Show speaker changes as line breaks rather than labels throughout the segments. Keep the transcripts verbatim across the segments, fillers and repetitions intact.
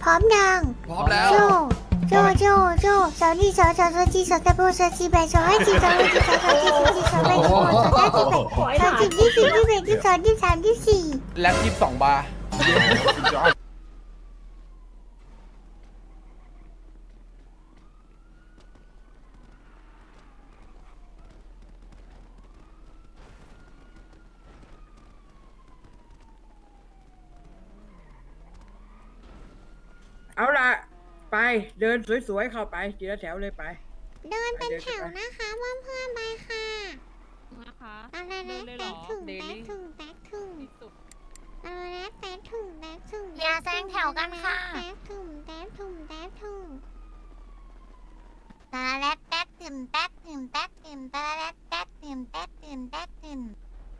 ร้อมยัง
พร้อมแล้ว
โจโจโจโจสาวนี่สาวสาวสาวจีสาวตะโบสาวจีแบสาวให้จีสาวให้จีสาวสาวจีสาวจีสาวแบสาวสาวจีแบสาวจีที่สี่ที่แบที่สองที่สามที่สี่
แล็บยี่สิบสองบาร์
เอาล่ะ ไปเดินสวยๆเข้าไปทีละแถวเลยไป
เดินเป็นแถวนะคะเพื่อนเพื่อนไปค่ะ
นะคะ
อะไรนะแตกถึงแตกถึงแตกถึง
ที่สุด
อะไรนะแตกถึงแตกถึง
อย่าแซงแถวกันค่ะ
แตกถึงแตกถึงแตกถึง
ตาแรดแต๊ดตื่มแต๊ดตื่มแต๊ดตื่มตาแรดแต๊ดตื่มแต๊ดตื่มแต๊ดตื่ม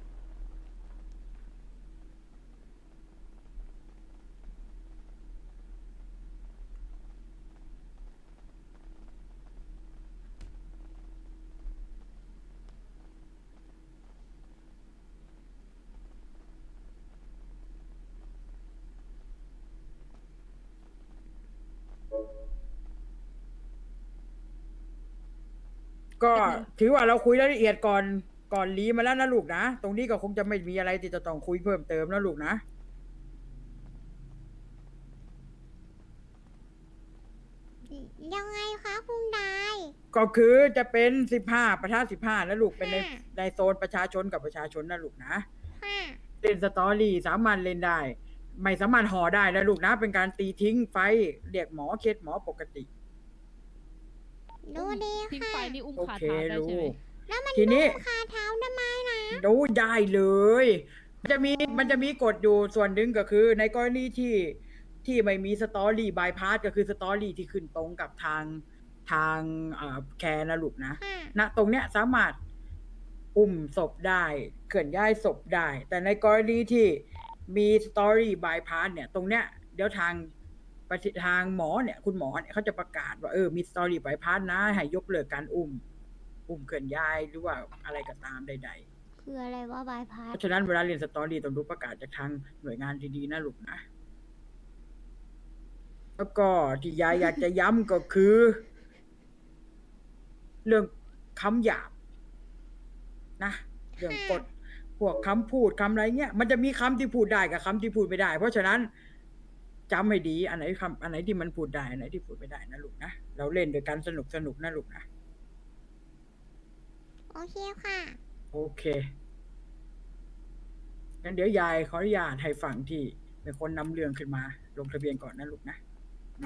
ก็ถือว่าเราคุยรายละเอียดก่อนก่อนลีมาแล้วนะลูกนะ ตรงนี้ก็คงจะไม่มีอะไรที่จะต้องคุยเพิ่มเติมนะลูกนะ
ยังไงคะคุณนาย
ก็คือจะเป็นสิบห้าประทะสิบห้านะลูกเป็นใน
ค่ะ
ในโซนประชาชนกับประชาชนนะลูกนะ
ค่ะ
เล่นสตอรี่สามารถเล่นได้ ไม่สามารถห่อได้นะลูกนะ เป็นการตีทิ้งไฟเรียกหมอเคสหมอปกติ
ดูดี
ทิ้ง
ค่ะ
ไฟนี่อุ้ม
โอ
ขา
เค
เท้าได้
ลู
ใช่ไหม
ก
แล้วมัน
ทีนี้
คาเท้าทำไมนะ
ดูได้เลย มันจะมีมันจะมีกฎอยู่ส่วนหนึ่งก็คือ ในกรณีที่ที่ไม่มีสตอรี่บายพาสก็คือสตอรี่ที่ขึ้นตรงกับทางทางเอ่อแคร์นะลูกนะ
ค่ะ
ณตรงเนี้ยสามารถอุ้มศพได้เคลื่อนย้ายศพได้ แต่ในกรณีที่มีสตอรี่บายพาสเนี่ย ตรงเนี้ยเดี๋ยวทางปฏิทางหมอเนี่ยคุณหมอเนี่ยเขาจะประกาศว่าเออมีสตอรี่บายพาสนะให้ยกเลิกการอุ้ม อุ้มเคลื่อนย้ายหรือว่าอะไรก็ตามใดๆ
คืออะไรว่าบายพา
เพ
ส
ราะฉะนั้นเวลาเรียนสตอรี่ต้องดูประกาศจากทางหน่วยงานดีๆนะลูกนะ แล้วก็ที่ยายอยากจะย้ำก็คือ เรื่องคำหยาบนะเรื่องกฎพวกคำพูดคำอะไรเงี้ยมันจะมีคำที่พูดได้กับคำที่พูดไม่ได้ เพราะฉะนั้นจำให้ดีอันไหนคำอันไหนที่มันพูดได้อันไหนที่พูดไม่ได้นะลูกนะเราเล่นโดยการสนุกสนุกนะลูกนะ
โอเคค่ะ
โอเคงั้นเดี๋ยวยายขออนุญาตให้ฝั่งที่เป็นคนนำเรื่องขึ้นมา ลงทะเบียนก่อนนะลูกนะนะ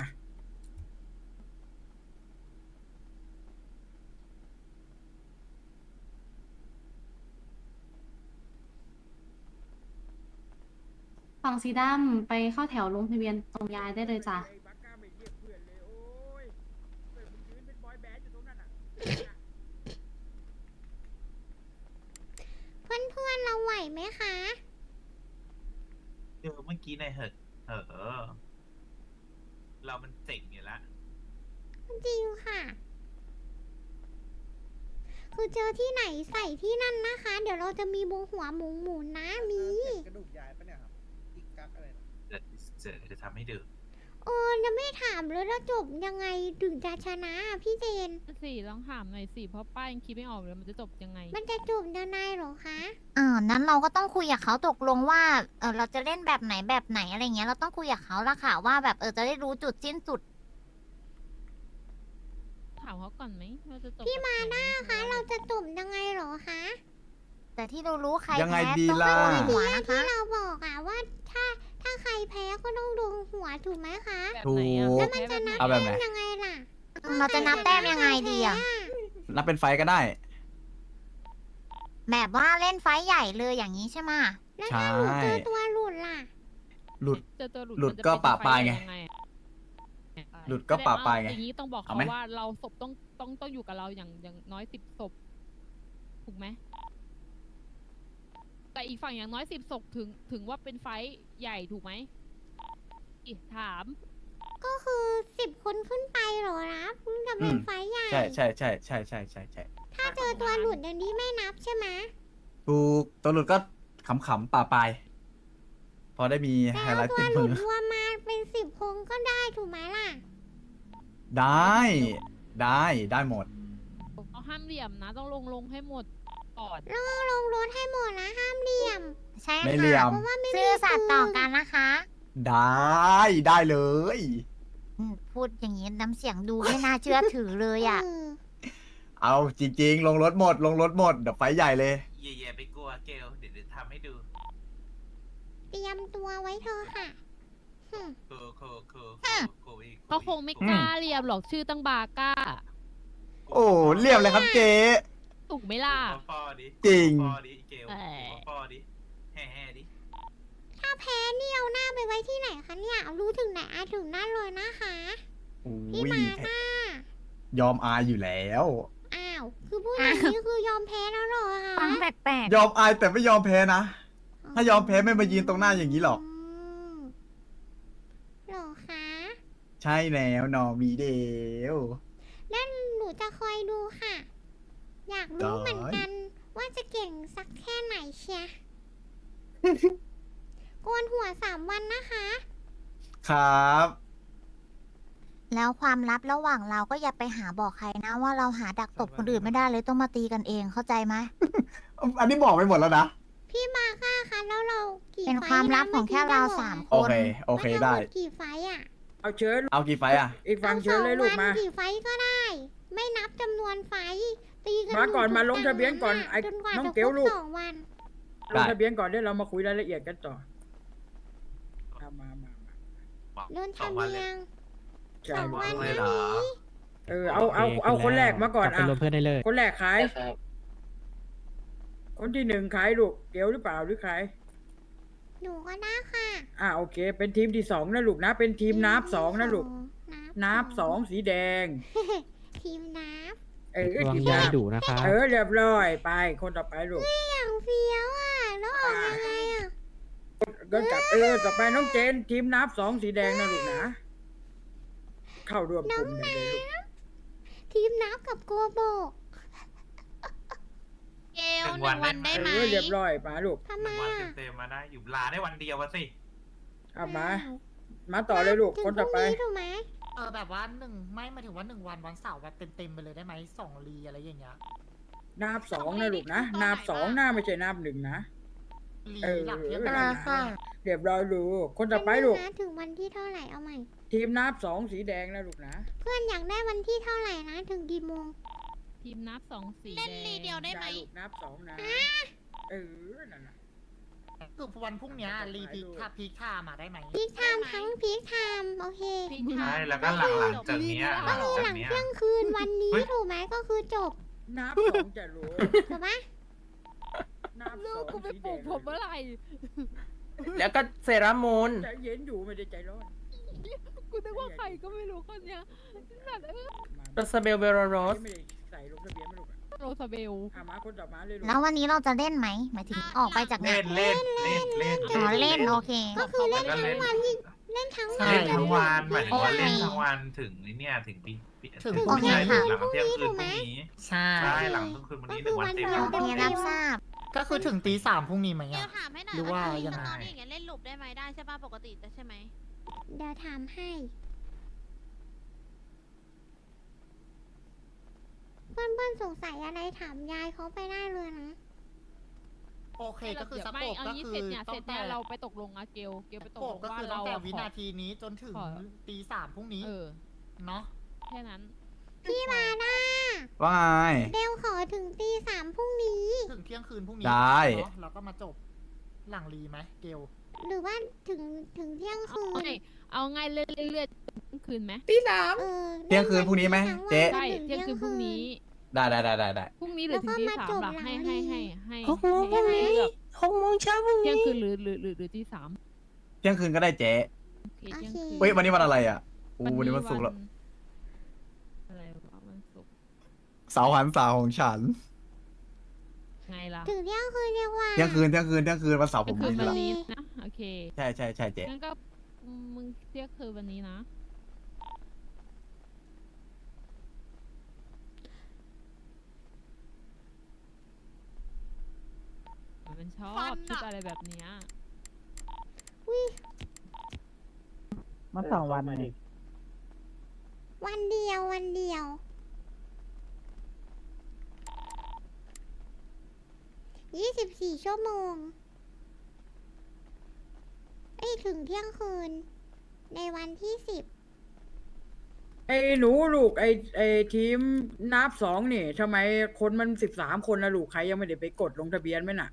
ฝั่งสีดำไปเข้าแถวลงทะเบียนตรงยายได้เลยจ้ะ
บักก้าไม่เรียกเพื่อนเลยโอ้ยเพื่อนมึงยืนเป็นบอยแบนด์อยู่ตรงนั้นน่ะ
เพื่อนเพื่อนๆเราไหวไหมคะ
เดี๋ยวเมื่อกี้ในเหอะเออ เรามันเจ๋งอยู่แล้ว
จริงค่ะ คือเจอที่ไหนใส่ที่นั่นนะคะ เดี๋ยวเราจะมีบงหัวหมูหมูนะมี
กระดูกยายปะเนี่ยครับ อีกกักอะไรนะ
จะจะจะทำให้ดู
เออจะไม่ถามเลยแล้วจบยังไงถึงจะชนะอะพี่เจน
สี่ลองถามหน่อยสิเพราะป้ายังคิดไม่ออกเลยมันจะจบยังไง
มันจะจบยังไงเหรอคะ
อ่านั้นเราก็ต้องคุยกับเขาตกลงว่าเออเราจะเล่นแบบไหนแบบไหนอะไรเงี้ยเราต้องคุยกับเขาละค่ะว่าแบบเออจะได้รู้จุดสิ้นสุด
ถามเขาก่อนไหมว่าจะจบ
พี่
แบบ
มา
ไหน
ด้าคะ เราจะจบยังไงเหรอคะ
แต่ที่เรารู้ใคร
ยังไง
แพ้
ดี
ต้อง
ล่ะ
โดนหัว
ที่
นะคะ
เราบอกอะว่าถ้าถ้าใครแพ้ก็ต้องโดนหัวถูกไหมคะ
แบบไหนอะ
ถูก
แล้วมันจะนับ
เอาแบบไหน
แต้มยังไงล่ะ
เราจะนับแต้มยังไงดีอะ
นับเป็นไฟก็ได้
แบบว่าเล่นไฟท์ใหญ่เลยอย่างนี้ใช่ไหมะ
แล้ว
ใช่
ถ้าหนูเจอตัวหลุดล่ะ
หลุด
เจอตัวหลุด
หลุด
มันจะ
ก็
เป็น
ปะปลายไง
ฟยังอะ
หลุดก็ปะปลายไง
แสดว่อย่างนี้ต้องบอก
เอา
เขา
ไหม
ว่าเราศพต้องต้องต้องอยู่กับเราอย่างอย่างน้อยสิบศพถูกไหมแต่อีกฝั่งอย่างน้อยสิบศพถึงถึงว่าเป็นไฟท์ใหญ่ถูกไหมอีกถาม
ก็คือสิบคนขึ้นไปเหรอนะเพิ่งจะเป็น
อืม
ไฟล์ใหญ่
ใช่ใช่ใช่ใช่ใช่ใช่ใช่
ถ้าเจอตัวหลุดอย่างนี้ไม่นับใช่ไหม
ถูกตัวหลุดก็ขำๆป่าปลาย พอได้มี
แต่
ไฮ
เอา
ไลท์
ตัว
ติด
หลุ
มื
ด
อ
รวมมาเป็นสิบคคนก็ได้ถูกไหมล่ะ
ได้ ได้ได้หมด
เอาห้ามเหลี่ยมนะ ต้องลงลงให้หมดก่อน
แล้วก็ลงรถให้หมดนะห้ามเหลี่ยม
ใช่
ไม่เหลี่ย
ค่ะ
ม
เพราะว่าไม่มี
ซื่อสัตย์ต่อ
ปืน
กันนะคะ
ได้ได้เลย
อืมพูดอย่างนี้น้ำเสียงดูไม่น่าเชื่อถือเลยอ่ะ
อืม
เอาจริง ๆ ลงรถหมด ลงรถหมดเดี๋ยวไฟใหญ่เลย
เย่ๆไปกลัวเกลเดี๋ยวเดี๋ยวทำให้ดู
เตรียมตัวไว้เธอะค่ะหึ
โคโคโคโคโคอีก
เขาคงไม่กล้าเหลี่ยมหรอกชื่อตั้งบาก้า
โอ้เรียบเลยครับเจ๊
ถูกไหมล่ะ
ฟอดิ
จริง
ฟอดิเกล
เอ่อ
ฟอดิแห่แห่ดิ
ถ้าแพ้นี่เอาหน้าไปไว้ที่ไหนคะเนี่ยเอารู้ถึงไหนอาถึงนั่นเลยนะคะ
โอ้
พี่
ย
มาค่ะ
ยอมอายอยู่แล้ว
อ้าว คือพูดอย่างนี้คือยอมแพ้แล้วเหรอคะ
ฟังแปลก
ยอมอายแต่ไม่ยอมแพ้นะ ถ้ายอมแพ้ไม่มายืนตรงหน้าอย่างนี้หรอก
มเหรอคะ
ใช่แล้วนอมีเดว
นั่นหนูจะคอยดูค่ะ อยากรู้เหมือนกัน ว่าจะเก่งสักแค่ไหนเชีย โกนหัวสามวันนะคะ
ครับ
ๆ แล้วความลับระหว่างเราก็อย่าไปหาบอกใครนะว่าเราหาดักตบคนอื่นไม่ได้เลยต้องมาตีกันเองเข้าใจไหม
อันนี้บอกไปหมดแล้วนะ
พี่มาค่ะคะแล้วเรากี่
เป็น
ไฟ
ความ
ท์
ลับ
นะ
ของแค่เราสามค
โอน เค โอเค
มันทั้งหม
ได้
กี่ไฟท์อ่ะ
เอาเชิญ
เอากี่ไฟอ่ะ
อีกฝั่งเชิญเลยลูกมา
สองวันกี่ไฟท์ก็ได้ ไม่นับจำนวนไฟท์ตีกัน
มาก่อน
ยู่
มาลง
ที่
ทะเบียนก่อน
ตรง
ไอ้
จนกว่า
น้อง
จะ
เกล
ครบ
ลูก
สองวัน
ลงทะเบียนก่อนเดี๋ยวเรามาคุยรายละเอียดกันต่อเอามามามา
เดิน
สอง
ทำ
วันเล
เรี
ย
ยง
ใช่
สอง
ลูก
วัน
เล
นี้
ยเหรอ
เออเอาเอาเอาคนแรกมาก่อน
กลับไป
อ่ะ
รวมเพื่อนได้เลย
คนแรกขายคนที่หนึ่งขายลูกเกลหรือเปล่าหรือใคร
หนูก็ได้ค่ะ
อ่าโอเค เป็นทีมที่สองนะลูกนะ เป็นทีมนับสองนะลูก
นั
นับสองสีแดง
ทีมนับ
เออ
ระวัง
ทีม
ยา
นั
ย
บ
ดุนะคะ
เออเรียบร้อยไปคนต่อไปลูก
อย่างเฟี้ยวอ่ะ แล้วออกยังไงอ่ะ
ก็กลับเออต่อไปน้องเจน ทีมนับสองสีแดงนะลูกนะ เข้าร่วมกลุ่มได้เลยลูก
ทีมนับกับโกโบ
เกล
หนึ่งวันได้
เอ
ไหม
อเรียบร้อยมาลูก
ทำ
ห
ไม
นึ่งวัน
อ่ะ
เต็มๆมาได้อยู่ลาได้วันเดียววะสิ
เอามา มาต่อเลยลูก คนต่อไป
ถึงพรุ่งถูกไหม
เออแบบว่าหนึ่งไม่หมายถึงว่าหนึ่งวันวันเสาร์แบบเต็มๆไปเลยได้ไหมสองรีอะไรอย่างเงี้ย
นับสองนะลูกนะนับสองหน้าไม่ใช่นับหนึ่งนะ
รี
เออ
หลังเที่ยง
เออ
คืน
ค่ะ
เรียบร้อยลูก คนต่อไปลูก
วันนี้นะถึงวันที่เท่าไหร่เอาใหม่
ทีมนับสองสีแดงนะลูกนะ
เพื่อนอยากได้วันที่เท่าไหร่นะ ถึงกี่โมง
ทีมนับสองสี
เล่นรีเดียวได้ไหม
อย่าลูกนับสองนะ เออ นั่นน่ะ
คือวันพรุ่งเนี้ยรีพีคถ้าพีคไทม์มาได้ไหม
พีคไทม์ทั้งพีคไทม์โอเค
ใช่แล้วก็หลังหลังจากเนี้ยหลัง
ก็คือ
จาก
หลัง
เนี้ย
เที่ยงคืนวันนี้
เฮ้ย
ถูกไหมก็คือจบ
นับสองจะรู้
ถูกไหม
นับ
ลู
ส
ก
อง
กูไป
สี
ป
แด
ลูก
ง
ผมเมื่อไหร่
แล้วก็เซรามูน
ใจเย็นอยู่ไม่ได้ใจร้อน
กูนึกว่าใครก็ไม่รู้คนเนี้ยนั่นเออ
โรสเบลเบโรโรส
ไม่ได้ใส่ลงทะเบียนไม่ลูกอะ
โรซาเบล
อ่ะมาคนต่อมาเลยลูก
แล้ววันนี้เราจะเล่นไหมหมายถึงออกไปจากงา
เล่
น
นเล่นเล่นเล่น
อ๋อเล่นโอเค
ก็คือเล่น
ก็
ทั้
เล่
ง
น
วันที่เล่นทั้ง
ใช่
วัน
เล่นทั้งวันหมายถึงว่า
โอเค
เล่นทั้งวันถึงไอ้เนี่ยถึงปีปี
ถึง
ถึง
โอเค
ใช่
ค่ะ
หลังเที่ยงคืนพรุ่งนี้
ใช่
ใช่หลังเที่ยงคืนวันนี้หนึ่งวันเต็ม
โอเครับทราบ
ก็คือถึงตีสามพรุ่งนี้ไหม
เดี๋ย
อ่ะ
วถามให้หน่อย
หรือว่า
ที
ยัง
ส
ไง
ตอรี่อย่างเงี้ยเล่นหลุบได้ไหมได้ใช่ป่ะปกติแต่ใช่ไหม
เดี๋ยวถามให้ เพื่อนเพื่อนๆสงสัยอะไรถามยายเขาไปได้เลยนะ
โอเคก็คือส
ไม่
โปก
เอา
ก็
งี้
คื
เสร็
อ
จเนี่ย
ตั้
เสร็
ง
จ
แต่
เนี่ยเราไปตกลงอะเกลเกลไปตก
โป
ล
ก
ง
ก็
ว่า
คือ
เรา
ตั้งแต่
อะ
วิ
ขอ
นาทีนี้จนถึง
ขอ
ตีสามพรุ่งนี้
เออ
เนาะ
แค่นั้น
พี่มาด้า
ว่าไง
เดวขอถึงตีสามพรุ่งนี้
ถึงเที่ยงคืนพรุ่งนี้
ได้
เนาะแล้วก็มาจบหลังรีไหมเกล
หรือว่าถึงถึงเที่ยง
เอา
คืน
ไงเอาไงเรื่อยๆเรื่อยๆคืนไหม
เออ
เที่ยงคืนพรุ่งนี้ไหม
ทั้งวัน
เจ๊
ใช่
จนถึ
เที่ยงคืนพรุ่งนี้
ได้ได้ได้ได้ได้
พรุ่งนี้หรือถึงตี
แล้วก็มา
สาม
จบ
หลัก
หลัง
ให้ให้
รี
ให้ให้
หกโมง
ให้ให้
ใช่ไหม
เลือก
หกโมงเช้าพรุ่ง
เที่ยง
นี้
คืนหรือหรือหรือหรือตีสาม
เที่ยงคืนก็ได้เจ๊
โอเคเที่ยงคืน
เฮ้ยวันนี้วันอะไรอ่ะอู้วันนี้วันศุกร์แล้ว
อะไรวะวันศุกร์
เสาร์หันษาของฉัน
ไงล่ะ
ถึงเที่ยงคืนเรียกว่า
เที่ยงคืนเที่ยงคืนเที่ยงคืนวันเสาร์
เที่
ผ
ยง
ม
คืน
มี
วัน
แล้ว
นี้นะโอเค
ใช่ใช่ใช่เจ๊
งั้นก็มึงเที่ยงคืนวันนี้นะมันชอบชุดอะไรแบบเนี้ย
มาสองวันเลย
วันเดียววันเดียวยี่สิบสี่ชั่วโมงเอ้ยถึงเที่ยงคืน ในวันที่สิบ
ไอ้หนูลูกไอ้ไอ้ทีมนับสองนี่ทำไมคนมันสิบสามคนนะลูกใครยังไม่ได้ไปกดลงทะเบียนไหมน่ะ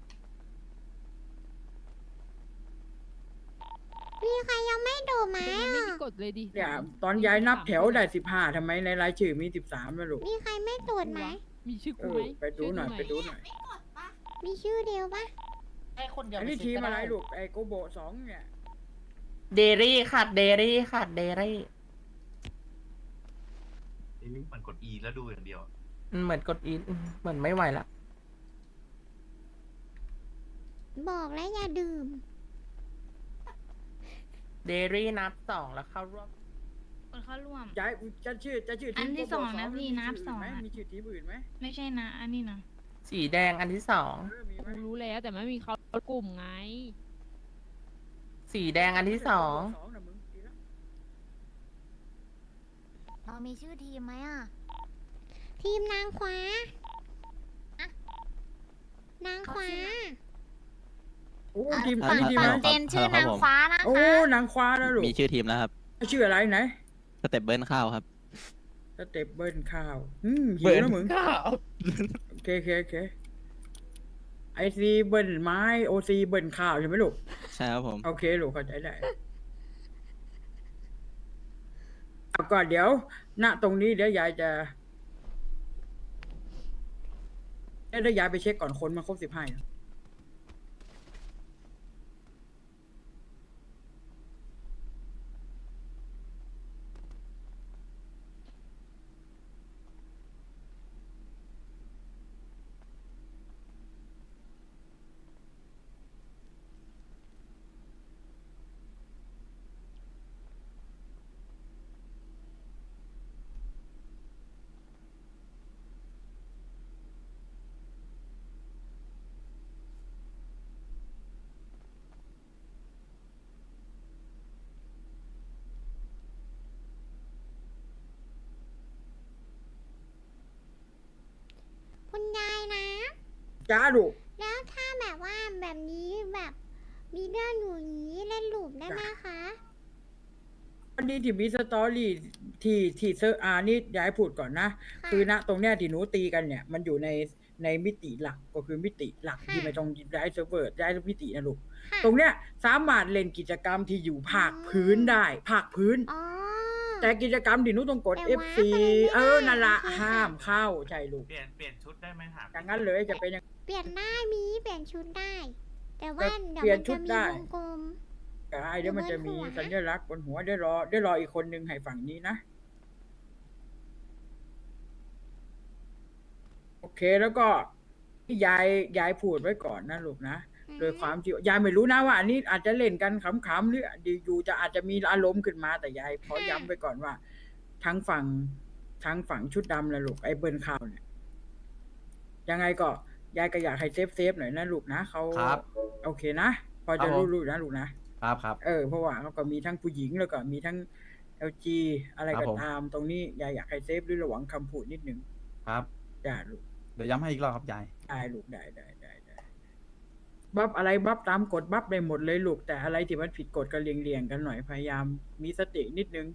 มีใครยังไม่ดูไหม
ยังไม่
อ่ะ
มีกฎเลยดิ
เนี่ยตอนย้ายนับแถวได้สิบห้าทำไมในรายชื่อมีสิบสามนะลูก
มีใครไม่ตรวจไหม
มีชื่อ
เอ
กู
อ
ไหม
ไปดูหน่อยไปดูหน่อย
มีชื่อเดียวปะ
ให้คนเดียว
อัน
ไป
นี้
เช็
ที
ค
ม
ก็
อะไร
ได้
ลูกไอ้โกโบสองเนี่ย
เดรี่ค่ะเดรี่ค่ะเดรี่
ไอ้ลิงก์มันกด E แล้วดูอย่างเดียว
เหมือนกดอีทเหมือนไม่ไหวละ
บอกแล้วอย่าดื่ม
เดรี่นับสองแล้วเข้าร่วม
คนเข้าร่วม
ย้ายจะชื่อจะชื่อที
อั
ม
นที่
โกโบ
สองนะ
หรื
พี่
มี
นับ
ชื่
สอง
ไหม
อะ
มีชื่อทีมอื่นไหม
ไม่ใช่นะ อันนี้นะ
สีแดงอันที่สอง
เออมีไหม
กูรู้แล้วแต่ไม่มีเขากลุ่มไง
สีแดงอันที่สอง
สองนะมึงดีแล้ว
เรามีชื่อทีมไหมอ่ะ
ทีมนางคว้าอะนางคว้า
โอ้
อ่ะ
ทีม
ฝั่ง
ทีม
ฝั่ง
นะ
เจนชื่อนางฟ้านะ
โอ้
คะ
นางควานะลูก
มีชื่อทีมแล้วครับ
ชื่ออะไรไหน
สเต็ปเบิร์นข้าวครับ
สเต็ปเบิร์นข้าวอืมหิว
เบิร์น
นะมึง
ข้าว
โอเคโอเคโอเคไอซีเบิร์นไม้โอซีเบิร์นข้าวใช่ไหมลูก
ใช่ครับผม
โอเคลูกเข้าใจได้เอาก่อนเดี๋ยว ณตรงนี้เดี๋ยวยายจะเดี๋ยวยายไปเช็คก่อนคนมาครบสิบห้า
คุณยายนะ
จ้าลูก
แล้วถ้าแบบว่าแบบนี้แบบมีเรื่องอยู่อย่างนี้เล่นลูปได้ไหมคะ
วันนี้ที่มีสตอรี่ที่ที่เซอร์อานี่ย้ายพูดก่อนนะ
ค่ะ
คือณตรงเนี้ยที่หนูตีกันเนี่ย มันอยู่ในในมิติหลักก็คือมิติหลัก
ค่ะ
ที่ไม่ต้องย้ายเซิร์ฟเวอร์ย้ายมิตินะลูก
ค่ะ
ตรงเนี้ยสามารถเล่นกิจกรรมที่อยู่ภาคพื้นได้ภาคพื้น
อ๋อ
แต่กิจกรรมที่หนูต้องกด
แต่
เอฟ
ว้า
ซี
ไปไม่ได้
เออนั่นละ
โอเคค่ะ
ห้ามเข้าใช่ลูก
เปลี่ยนเปลี่ยนชุดได้ไหมถาม
อย่างนั้นเลยจะเป็นอย่าง
เปลี่ยนได้มีเปลี่ยนชุดได้ แต่ว่า
แต่
เดี๋ยว
เปลี่ย
มัน น
ชุ
จะ
ด
มี
ได้
วงกลม
ไรเดี๋ยวมันจะมี
อยู่บนหัว
สัญลักษณ์บนหัวเดี๋ยวรอเดี๋ยวรออีกคนนึงให้ฝั่งนี้นะ โอเคแล้วก็ที่ยายยายพูดไว้ก่อนนะลูกนะ โดยความที่ยายไม่รู้นะว่าอันนี้อาจจะเล่นกันขำๆหรืออยู่ๆจะอาจจะมีอารมณ์ขึ้นมาแต่ยายขอย้ำไว้ก่อนว่า ทั้งฝั่งทั้งฝั่งชุดดำและลูกไอ้เบิร์นข่าวเนี่ยยังไงก็ยายก็อยากให้เซฟเซฟหน่อยนะลูกนะเขา
ครับ
โอเคนะ พอ
ครั
จะ
บผม
รู้ๆนะลูกนะครับ
ครับ
เออเพราะว่าเขาก็มีทั้งผู้หญิงแล้วก็มีทั้ง แอล จี อะไร
ครั
ก็
บผม
ตาม ตรงนี้ยายอยากให้เซฟด้วยระหว่างคำพูดนิดนึง
ครับ
จ้าลูก
เดี๋ยวย้ำให้อีกรอบครับยาย
ได้ลูกได้ได้ได้ได้บัฟอะไรบัฟตามกฎบัฟได้หมดเลยลูกแต่อะไรที่มันผิดกฎก็เลียงเลียงๆกันหน่อยพยายามมีสตินิดนึง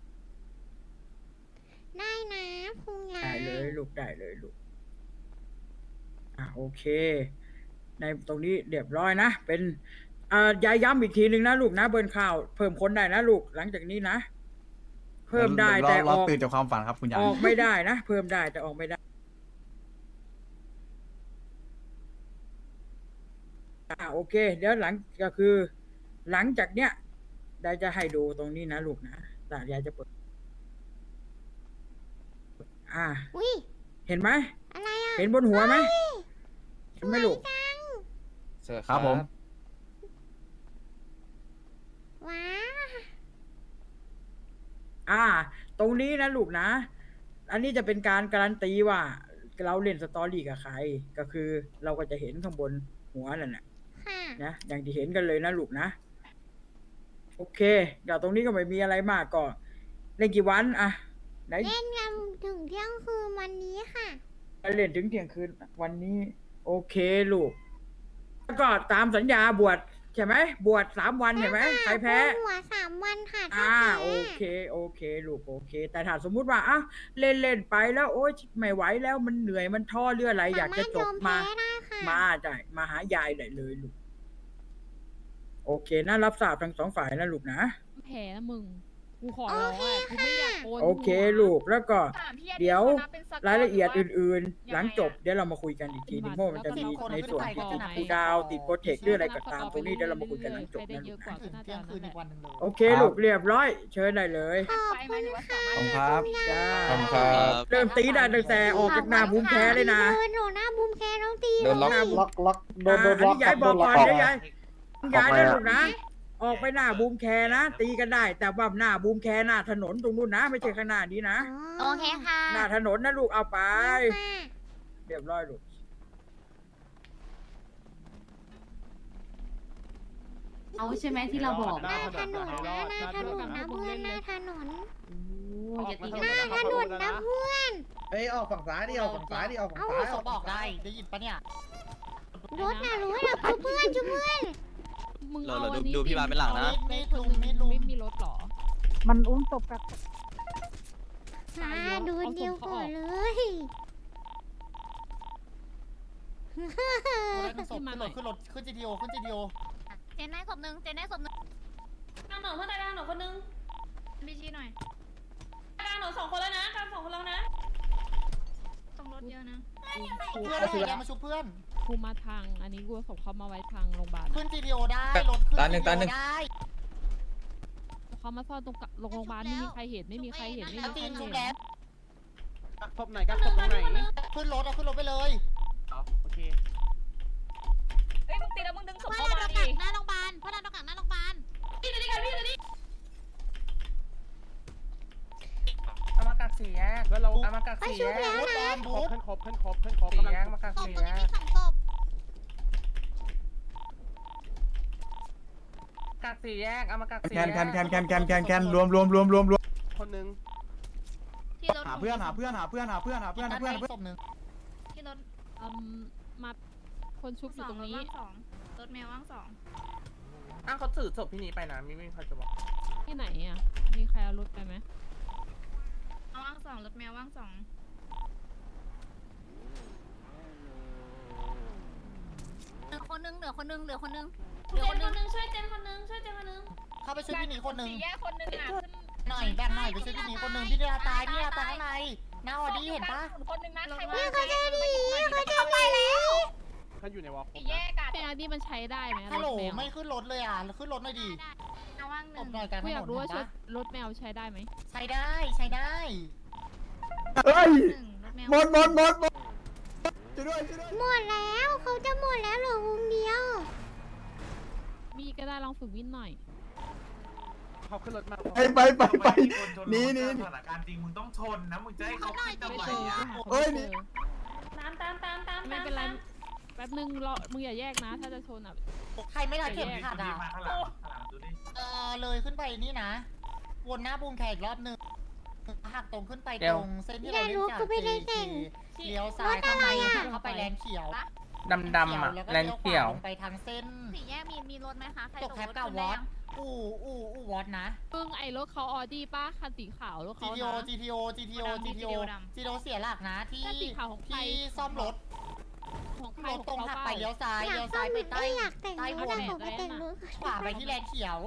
ได้นะคุณยา
ได้
ย
เลยลูกได้เลยลูกอ่ะโอเค ในตรงนี้เรียบร้อยนะเป็นอ่ายายย้ำอีกทีหนึ่งนะลูกนะเบิร์นข่าวเพิ่มคนได้นะลูกหลังจากนี้นะเพิ่มได้
รอ
แต่
ร
อ
อ
อก
ตื่นจากความฝันครับคุณยา
อย อกไม่ได้นะเพิ่มได้แต่ออกไม่ได้อ่าโอเค เดี๋ยวหลังก็คือ หลังจากเนี้ยยายจะให้ดูตรงนี้นะลูกนะแต่ยายจะเปิด อ่า
อุ้ย
เห็นไหม
อะไรอ่ะ
เห็นบนหัวไหม
เฮ้ย
เห็นไหมลูก
สวยจัง
ครับผม
ว้า
อ่า ตรงนี้นะลูกนะ อันนี้จะเป็นการการันตีว่า เราเล่นสตอรี่กับใคร ก็คือเราก็จะเห็นข้างบนหัวนั่นแหละ
ค่ะ
นะอย่างที่เห็นกันเลยนะลูกนะ โอโอเคเดี๋ยวตรงนี้ก็ไม่มีอะไรมากก็เล่นกี่วันอะไหน
เล่นกันถึงเที่ยงคืนวันนี้ค่ะ
เล่นถึงเที่ยงคืนวันนี้ โอเคลูกแล้วก็ตามสัญญาบวชใช่ไหมบวชสามวันใช่ไหมใครแพ้
หัวสามวันค่ะถ้า
อ่า
แพ้
โอเคโอเคลูกโอเค แต่ถ้าสมมุติว่าอ่ะเล่นเล่นไปแล้วโอ๊ยไม่ไหวแล้วมันเหนื่อยมันท้อเรืออะไรอยากจะจบมา
สรถยอแพ้ได้ค่ะ
มาได้มาหายายได้เลยลูกโอเคนะรับทราบทั้งสองฝ่ายนะลูกนะ
แพ้นะมึง กูขอร้องอ่ะกูไม่อยากโอน
โอเคลูกแล้วก็
ถามพี่
เดี๋ยว
ขานับป็นสก
รายละเอียด
หว่า
อื่น ๆ
ยังไงอะ
หลังจบเดี๋ยวเรามาคุยกันอีกทีนึงเพราะมันจะมีในส่วนที่ติดคูลดาวน์ติดโปรเทคหรืออะไรก็ตามตรงนี้เดี๋ยวเรามาคุยกันหลังจบ
ใครได้
นะ
เย
ลู
อะ
ก
กว่า
นะ
ก็น่า
เที่
จะ
ยงคืน
นั่
อี
น
ก
แห
วั
ละ
นหนึ่งเลย
โอเคลูกเรียบร้อย เชิญได้เลย
ขอบ
ไปไหม
คุณ
หรือว่า
ค่ะ
สามารถ
ขอบคุณครับ
จ้า
ขอบคุณครับ
เริ่มตีได้ตั้งแต่ออกจากหน้าบูมแคร์เลยนะ
เดินหนูหน้าบูมแคร์น้องตี
โดนล็อก
ล็อกล็อกโดนโดนล็อกอันนี้ยายบอกก่อนเดี๋ยวยายยายนะลูกนะ ออกไปหน้าบูมแคร์นะ ตีกันได้ แต่ว่าหน้าบูมแคร์หน้าถนนตรงนู้นนะ ไม่ใช่ข้างหน้านี้นะ
โอเคค่ะ
หน้าถนนนะลูกเอาไป
ค่ะ
เรียบร้อยลูก
เอาใช่ไหมที่เราบอก
หน้าถนนนะหน้าถนนนะเพื่อนหน้าถนน
โอ้ยอย่าตี
ห
กัน
น้าถนนนะเพื่อน
เอ้ยออกฝั่งซ้ายดิออกฝั่งซ้ายดิออกฝั่ง
เอา
ซ้าย
ศพออกได้ ได้ยินปะเนี่ย
รถน่ะรู้นะคือเพื่อนชุบเพื่อน
มึง
เรา
เอา
เรา
อัน
ดู
นี้
ดูพี่บาสเป็นหลังนะ
มีด
ค
ลุ
น
ม
ห
มี
นึ
ด
ง
ลุม
ไม่มีรถหรอ
มันอุ้มศพกับ
หาดูเดียวก่อนเลย
คนแรกเป็นศพขึ้นรถขึ้นรถขึ้นจีทีโอขึ้นจีทีโอ
เจนได้ศพหนึ่งเจนได้ศพหนึ่ง
กลางหนอนเพื่อนตายกลางหนอนคนนึงพี่ชี้หน่อยกลางหนอนสองคนแล้วนะกลางสองคนแล้วนะต้องรถเยอะนะ
กู
เพื่อนแกมาชุบเพื่อน
กูมาทางอันนี้กูเอาศพเขามาไว้ทางโรงพยาบาล
ขึ้นจีทีโอได้รถขึ้น
ตาหนึ่งตาหนึ่ง
ได้
เขามาซ่อนตรงกะโรงพยาบาลไม่มีใครเห็นไม่มีใครเห็นไม่มีใคร
จีนชุบ
เห็น
แล้ว
ศพไหนกันศพตรงไหน
ขึ้นรถเอาขึ้นรถไปเลย
โอเค
เอ้ยมึงตีแล้วมึงดึงศพ
พ่อ
เข้า
ดัน
มา
ตรง
ดิ
กลางหน้าโรงพยาบาลพ่อดันตรงกลางหน้าโรงพยาบาล
พี่เลยดิกันพี่เลยดิ
เอามากักสี่แยกแล้วเราเอามากัก
ไป
สี่
ชุ
แย
บ
ก
แล้ว
บู
นะ
ทบอมบูท
ขึ้นครบขึ้นครบขึ้นครบ
สี่แยกมากัก
ศพ
สี่
ตรง
แย
นี้
ก
มีสองศพ
กักสี่แยกเอามากักสี่
แค
แย
น
ก
แคนแคนแคนแคนแคนแคนรวมรวมรวมรวมรวมคนหนึ่ง
ที่รถ
หาเพื่อนหาเพื่อนหาเพื่อนหาเพื่อนหาเพื่อนหาเพื่อนหาเพื่อน
ศพหนึ่ง
ที่รถ
อืมมาคนชุบอยู่ตรงนี้
ว่างสองรถแมวว่างสอง
อ้าวเขาถือศพพี่หนีไปนะไม่ไม่เขาจะบอก
ที่ไหนอ่ะ มีใครเอารถไปไหม
เอาว่างสองรถแมวว่างสอง
เหลือคนนึงเหลือคนนึงเหลือคนนึงเห
เจ
ลือน คน
ค
นึ
น
ง
นึงช่วยเจนคนนึงช่วยเจนคนนึง
เข้าไปช่วยพี่หนีคนหนึ่ง
สี่แยกคนนึงอ่ะขึ้น
หน่อยแบ่งหน่อยไปช่วยพี่หนีคนหนึ่งพี่เดียตายพี่เดียตายข้างในหน้าออดี้เห็นปะ
คนนึงนะใคร
นี่
ว่า
เขาจะดีเขาจะไปแล้ว
ถ้าอยู่ในวอล
สี่แยกอ่ะ
เป็นอันนี้มันใช้ได้ไหม
ฮัลโหล
รถแมว
ไม่ขึ้นรถเลยอ่ะขึ้นรถหน่อยดิ
เอาว่างห
ต
นึ่
บ
ง
หน่อยกลางถ
กูอน ยาก
น
รู้ว่า
เห็น
ชุด
ปะ
รถแมวใช้ได้ไหม
ใช้ได้ใช้ได้
เฮ้ย
หนึ่งรถแมว
หมดหมดหมดหมดช่วยด้วยช่วยด้วย
หมดแล้วเขาจะหมดแล้วเหลือวงเดียว
มีก็ได้ลองฝึกวิ่งหน่อย
เขาขึ้นรถมาไปไปไปไปหนี่นี่
สถานการณ์จริงมึงต้องชนนะมึงจะให้เขาขึ้นทำ
ไม่
ไม
เจอ
อ่ะ
หาคน
เอ้ย
ไม่
นี่
เจอ
ตามตามตามตาม
ไม่เป็นไร แป๊บนึงรอมึงอย่าแยกนะ ถ้าจะชนอ่ะ
ใครไม่รัดเข็มขัด
ดูดิ
อ่ะ
มาข้างหลังข้างหลังดูดิ
เออเลยขึ้นไปนี่นะ วนหน้าบูมแขกอีกรอบหนึงหักตรงขึ้นไปตรงเส้นที่เราเล่นจาก เจ เลี้ยวซ้ายเข้าไปเข้าไปแลนเขียว
ดำดำๆอ่ะ
แล้วก็
แลน
เลี้ยวข
เขียว
วาลงไปทางเส้น
สี่แยกมีมีรถไหมคะใคร
ต
ต
ก
ก
แคป
รถ
กับ
ขึ้น
ว
ได้
อต
ยัง
อู่อู่อู่วอตนะ
ปึ้งไอ้รถเขาออดี้ป้าคันสีขาวรถเขา
GTO
นะ
GTO GTO GTO GTO เสียหลักนะที่
แต่สีขาวของใคร
ที่ซ่อมรถ
ของใคร
รถ
ของ
ตรง
เขา
หัก
เป
ไป
ล่า
เลี้ยวซ้าย
อยาก
เลี้ยว
ต้
ซ้า
อย ง
ไปใต้
ไม่อยากแต่ง
ใต้
ร
ว
ถ
น
อะผมไปแต่งรถ
ขวาไปที่แลนเขียว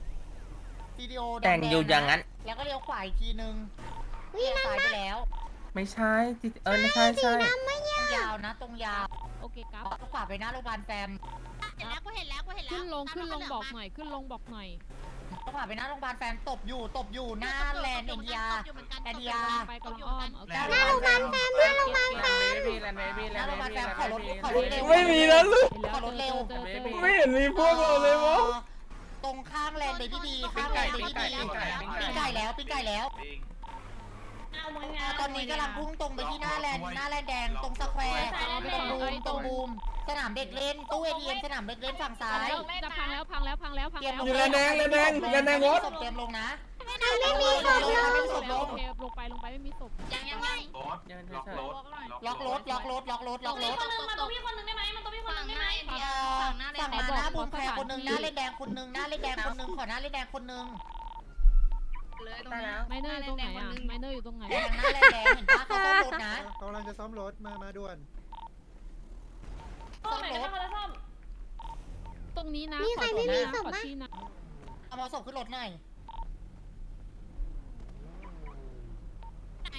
GTO
แต่งอยู่อย่างนั้น
แล้วก็เลี้ยวขวาอีกทีนึง
วิ
เลี้ยว
นา
ซ้ายไปแล้ว
ไม่ใช่จิเออไม่ใช่ใช่
น้ำไม่ยาก
ยาวนะตรงยาว
โอเคครับ
ขวาไปหน้าโรงพยาบาลแฟม
เห็นแล้วกูเห็นแล้วกูเห็นแล้ว
ขึ้นลง
ตาม
ขึ้นลง
รถ
บอก
เห
ห
ลื
น่อย ขึ้นลงบอกหน่อย
ขวาไปหน้าโรงพยาบาลแฟมตบอยู่ตบอยู่หน้าแลนด์เอ็นดีอา
ตบอยู่เหมือนกัน
แอน
ตบ
ดี
อยู่
อา
เหมือนกัน
ไปกำลังอ้อมโอเค
หน้าโรงพยาบาลแฟม
หน้าโรงพยาบาลแฟม
แลนเบบี้แลนเบบี้
ห
แล
น้าน โรงพยาบาล
เบ
แฟ
บี้
มขอรถขอรถเร็ว
ไม่มีแล้วลูก
เห็นแล้ว
ขอรถเร็ว
จอจอจอ
ไม่เห็นมีพวกเราเลยวะ
ตรงข้างแลนด์เบบี้บีข้างแลนด์เบบี้บีปิ้งไก่แล้วปิ้งไก่แล้ว
ปิง
เอามึง
ตอนนี้กำลังพุ่งตรงไปที่หน้าแลนด์หน้าแลนด์แดงตรงสแควร์ตรงบูมตรงบูมสนามเด็กเล่นตู้เอทีเอ็มสนามเด็กเล่นฝั่งซ้าย
จะพังแล้วพังแล้วพังแล้วพัง
เตรีย
แล้
ม
ว
ลง
อยู่แลนแดงแลนแดงแลนแดงรถ
เตรียมลงนะ
ใครไม่มีศพลง
ไม่มีศพล
โอง เคลงไปลงไปไม่มีศพ
ยังยังยัง
รถล็อกรถ
ล็อกรถล็อกรถล็อกรถล็อกร
มี
ถ
คนนึงมาตัวพี่คนนึงได้ไหมมันตัวพี่คนนึงได้ไหม
เอ่อฝั่งมาหน้าบุญแพรคนหนึ่งหน้าเล่นแดงคนหนึ่งหน้าเล่นแดงคนหนึ่งขอหน้าเล่นแดงคนหนึ่ง
เลยตรงนี้
ไมเนอร์อยู่ตรงไหนอ่ะไมเนอร์อยู่ตรงไหน
แดงหน้าเล่นแดงเห็นปะเขาซ่อมรถนะ
กำลังจะซ่อมรถมามาด่วน
ซ่อมไหนก็มาแล้วซ่อม
ตรงนี้นะ
มีใครไม่มีศพ
ขอ
ปะ
ที่นะ
เอามาศพขึ้นรถหน่อย
ไหน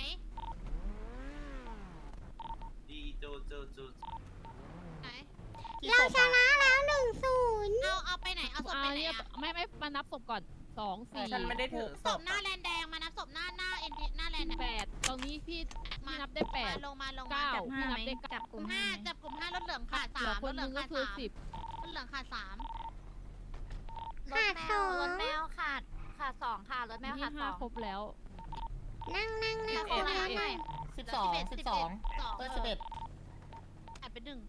ดีโจโจโจ
ไหน
กี่
เรา
ศพ
ช
อะ
นะแล้วหนึ่งศูนย์
เอาเอาไปไหนเอาศพ
อ่า
ไปไหน
เนี่ย
อะ
ไม่ไม่มานับศพก่อนสองสี่
ฉันไม่ได้ถือ
ศพหน้าแลนแดงมานับศพหน้าหน้าเอ็นหน้าแลน
แปดตรงนี้พี่พี่นับได้แปด
ลงมาลงมา
เก้า
จับ
พี่นับได้เก้า
จับกลุ่มห้าจับกลุ่มห้ารถเหลืองขาด
เหลื
สา
อ
ม
คนหนึงก็คือสิบ
รถเหลืองขาดสาม
ขาดสอง
รถแมวขาดขาดสองค่ะรถแมว
ที่
ขาดส
ห้า
อง
ครบแล้ว
นั่งนั่งนั่ง
เอ็ด
คนละหน่อย
สิบสองสิบสองเออสิบเอ็ด
ขาดไปหนึ่ง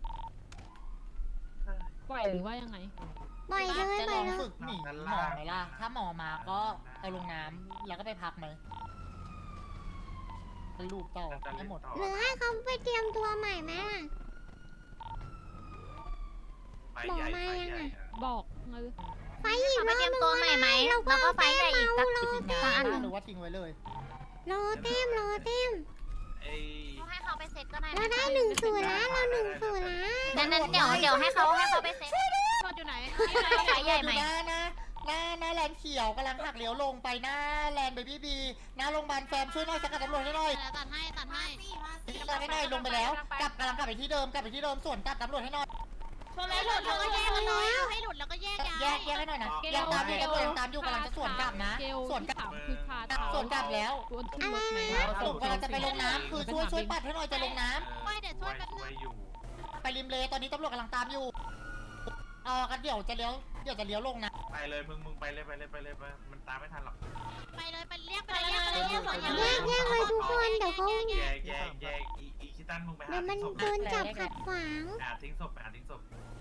ปล่อยหรือว่ายังไง
ปล่อยเลย
จะ
ป
ล
ล่อ
อย ง
เลย
ฝึกหนีหมอไหมล่ะ ถ้าหมอมาก็เอาลงน้ำแล้วก็ไปพักไหมลูกต่อให้หมด
หรือให้เขาไปเตรียมตัวใหม่ไหมล่ะ
ไปใหญ่ไปใหญ่
บอกเออ
ไฟอีก
ไป
รอบ
เตรียม
นึง
ตัวใหม่ไหมแล้วก็ไฟใหญ่อีกสัก
รอ
ทิ้ง
เต็
งาน
ม
หรือว่าทิ้งไว้เลย
รอเต็มรอเต็ม
ไอ้
ให้เขาไปเซ็ตก็ได้
เราได้หนึ่งศูนย์แล้วเราหนึ่งศูนย์แล้ว
นั้นนั้นเดี๋ยวเดี๋ยวให้เขาให้เขาไปเซ็ตโทษอยู่ไหนไฟใหญ่ไหม
หน้าหน้าหน้าหน้าแลนเขียวกำลังหักเลี้ยวลงไปหน้าแลนเบบี้บีหน้าโรงพยาบาลแฟมช่วยหน่อยสกัดตำรวจให้หน่อย
ตัดให้ตัดให้
สกัดให้หน่อยลงไปแล้วกลับกำลังกลับไปที่เดิมกลับไปที่เดิมส่วนกลับตำรวจให้หน่อย
ชนเล
ให้
ย
หลุดแล้วก็แยกกันเลยให้หลุดแล้วก็แยกย้าย
แยกแยกให้หน่อยนะยังตามอยู่ตำรวจยังตามอยู่กำลังจะสวนกลับนะ
เกล
สวนกลับ
ถามคือขาด
สวนกลับแล้ว
ตัวขึ้นรถไหม
สรุปกำลังจะไปลงน้ำคือช่วยช่วยปัดให้หน่อยจะลงน้ำ
ไม่เดี๋ยวช่วยแป๊บนึ
ช่วย
ง
อยู่
ไปริมเลตอนนี้ตำรวจกำลังตามอยู่เออกันเดี๋ยวจะเลี้ยวเดี๋ยวจะเลี้ยวลงนะ
ไปเลยมึงมึงไปเลยไปเลยไปเลยไปมันตามไม่ทันหรอก
ไปเลยไปเรียกไปเลยเรียกไปเลยเรียกไป
แยกแยกเลยทุกคนเดี๋ยวเขา
แยกแยกแยกอีอีคิตันมึงไปหา
เดี๋ยวมัน
ทิ้งศพ
โดนจับขัดขวาง
หาทิ้งศพไปหาทิ้งศพ